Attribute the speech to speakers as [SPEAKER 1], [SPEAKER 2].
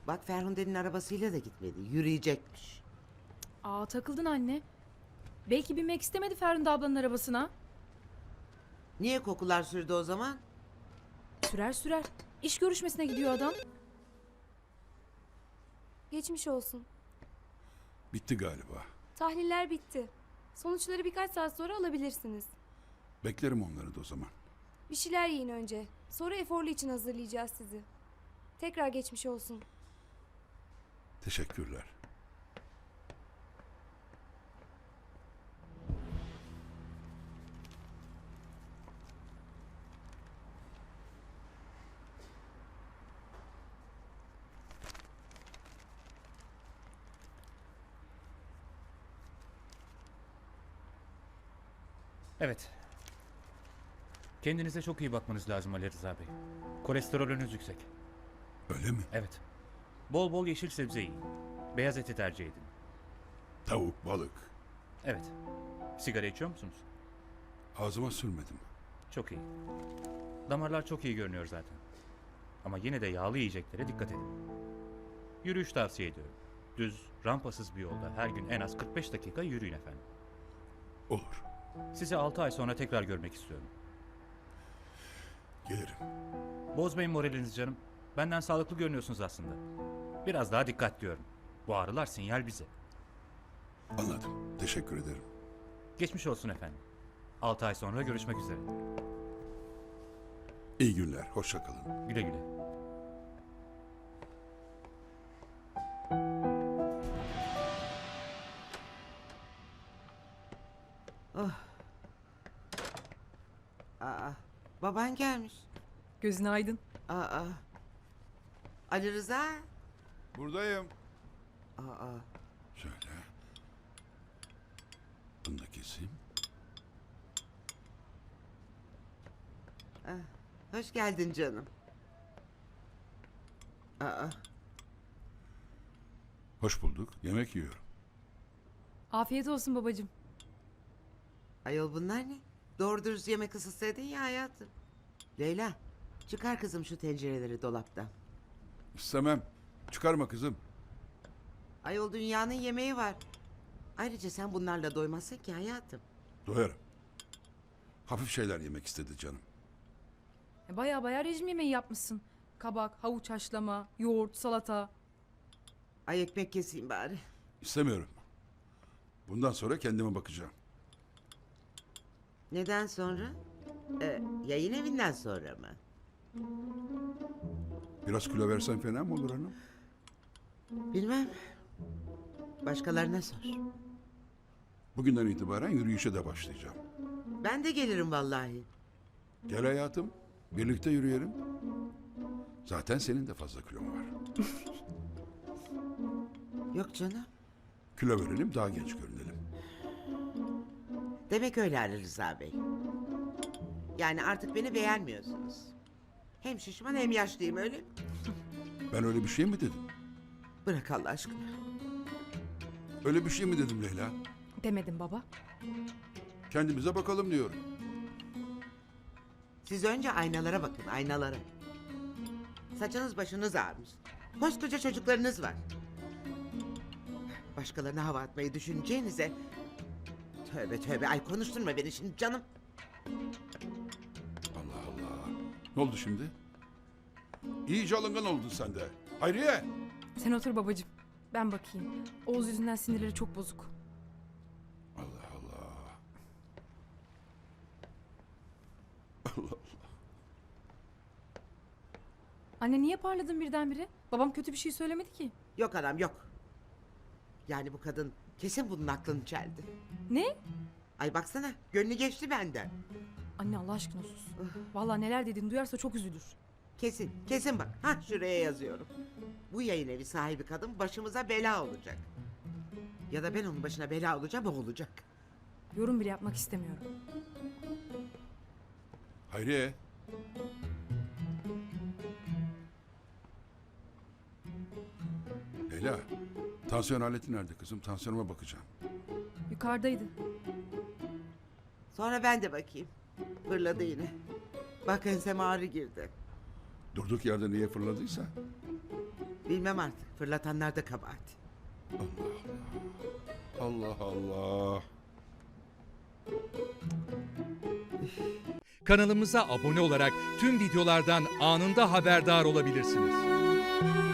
[SPEAKER 1] Bak Ferhunde'nin arabasıyla da gitmedi. Yürüyecekmiş.
[SPEAKER 2] Aa, takıldın anne. Belki binmek istemedi Ferhunde ablanın arabasına.
[SPEAKER 1] Niye kokular sürdü o zaman?
[SPEAKER 2] Sürer sürer. İş görüşmesine gidiyor adam.
[SPEAKER 3] Geçmiş olsun.
[SPEAKER 4] Bitti galiba.
[SPEAKER 3] Tahliller bitti. Sonuçları birkaç saat sonra alabilirsiniz.
[SPEAKER 4] Beklerim onları da o zaman.
[SPEAKER 3] Bir şeyler yiyin önce. Sonra eforlu için hazırlayacağız sizi. Tekrar geçmiş olsun.
[SPEAKER 4] Teşekkürler.
[SPEAKER 5] Evet. Kendinize çok iyi bakmanız lazım Ali Rıza Bey. Kolesterolünüz yüksek.
[SPEAKER 4] Öyle mi?
[SPEAKER 5] Evet. Bol bol yeşil sebze yiyin. Beyaz eti tercih edin.
[SPEAKER 4] Tavuk, balık.
[SPEAKER 5] Evet. Sigara içiyor musunuz?
[SPEAKER 4] Ağzıma sürmedim.
[SPEAKER 5] Çok iyi. Damarlar çok iyi görünüyor zaten. Ama yine de yağlı yiyeceklere dikkat edin. Yürüyüş tavsiye ediyorum. Düz, rampasız bir yolda her gün en az 45 dakika yürüyün efendim.
[SPEAKER 4] Olur.
[SPEAKER 5] Sizi 6 ay sonra tekrar görmek istiyorum.
[SPEAKER 4] Gelirim.
[SPEAKER 5] Bozmayın moralinizi canım. Benden sağlıklı görünüyorsunuz aslında. Biraz daha dikkat diyorum. Bu ağrılar sinyal bize.
[SPEAKER 4] Anladım. Teşekkür ederim.
[SPEAKER 5] Geçmiş olsun efendim. 6 ay sonra görüşmek üzere.
[SPEAKER 4] İyi günler. Hoşça kalın.
[SPEAKER 5] Güle güle.
[SPEAKER 1] Aa, baban gelmiş.
[SPEAKER 2] Gözün aydın.
[SPEAKER 1] Aa, Ali Rıza.
[SPEAKER 4] Buradayım.
[SPEAKER 1] Aa,
[SPEAKER 4] Şöyle. Bunu da keseyim.
[SPEAKER 1] hoş geldin canım. Aa,
[SPEAKER 4] Hoş bulduk. Yemek yiyorum.
[SPEAKER 2] Afiyet olsun babacığım.
[SPEAKER 1] ayol bunlar ne? Doğru dürüst yemek ısıtsaydın ya hayatım. Leyla, çıkar kızım şu tencereleri dolaptan.
[SPEAKER 4] İstemem. Çıkarma kızım.
[SPEAKER 1] Ayol dünyanın yemeği var. Ayrıca sen bunlarla doymazsın ki hayatım.
[SPEAKER 4] Doyarım. Hafif şeyler yemek istedi canım.
[SPEAKER 2] Baya baya rejim yemeği yapmışsın. Kabak, havuç haşlama, yoğurt, salata.
[SPEAKER 1] Ay ekmek keseyim bari.
[SPEAKER 4] İstemiyorum. Bundan sonra kendime bakacağım.
[SPEAKER 1] Neden sonra? Yayın evinden sonra mı?
[SPEAKER 4] Biraz kilo versen fena mı olur hanım?
[SPEAKER 1] Bilmem. Başkalarına sor.
[SPEAKER 4] Bugünden itibaren yürüyüşe de başlayacağım.
[SPEAKER 1] Ben de gelirim vallahi.
[SPEAKER 4] Gel hayatım. Birlikte yürüyelim. Zaten senin de fazla kilon var.
[SPEAKER 1] Yok canım.
[SPEAKER 4] Kilo verelim, daha genç görünelim.
[SPEAKER 1] Demek öyle Ali Rıza Bey. Yani artık beni beğenmiyorsunuz. Hem şişman hem yaşlıyım öyle mi?
[SPEAKER 4] Ben öyle bir şey mi dedim?
[SPEAKER 1] Bırak Allah aşkına.
[SPEAKER 4] Öyle bir şey mi dedim Leyla?
[SPEAKER 2] Demedim baba.
[SPEAKER 4] Kendimize bakalım diyorum.
[SPEAKER 1] Siz önce aynalara bakın, aynalara. Saçınız başınız ağarmış. Koskoca çocuklarınız var. Başkalarına hava atmayı düşüneceğinize... Tövbe tövbe, ay konuşturma beni şimdi canım.
[SPEAKER 4] Allah Allah. Ne oldu şimdi? İyice alıngan oldun sen de. Hayriye!
[SPEAKER 2] Sen otur babacığım. Ben bakayım. Oğuz yüzünden sinirleri çok bozuk.
[SPEAKER 4] Allah Allah. Allah.
[SPEAKER 2] Anne niye parladın birdenbire? Babam kötü bir şey söylemedi ki.
[SPEAKER 1] Yok anam yok. Yani bu kadın kesin bunun aklını çeldi.
[SPEAKER 2] Ne?
[SPEAKER 1] Ay baksana, gönlü geçti benden.
[SPEAKER 2] Anne Allah aşkına sus. Vallahi neler dediğini duyarsa çok üzülür.
[SPEAKER 1] Kesin, kesin bak. Ha şuraya yazıyorum. Bu yayın evi sahibi kadın başımıza bela olacak. Ya da ben onun başına bela olacağım, o olacak.
[SPEAKER 2] Yorum bile yapmak istemiyorum.
[SPEAKER 4] Hayriye! Leyla, tansiyon aleti nerede kızım? Tansiyonuma bakacağım.
[SPEAKER 2] Yukarıdaydı.
[SPEAKER 1] Sonra ben de bakayım. Fırladı yine. Bak enseme ağrı girdi.
[SPEAKER 4] Durduk yerde niye fırladıysa?
[SPEAKER 1] Bilmem artık. Fırlatanlar da kabahat.
[SPEAKER 4] Allah Allah.
[SPEAKER 6] Kanalımıza abone olarak tüm videolardan anında haberdar olabilirsiniz.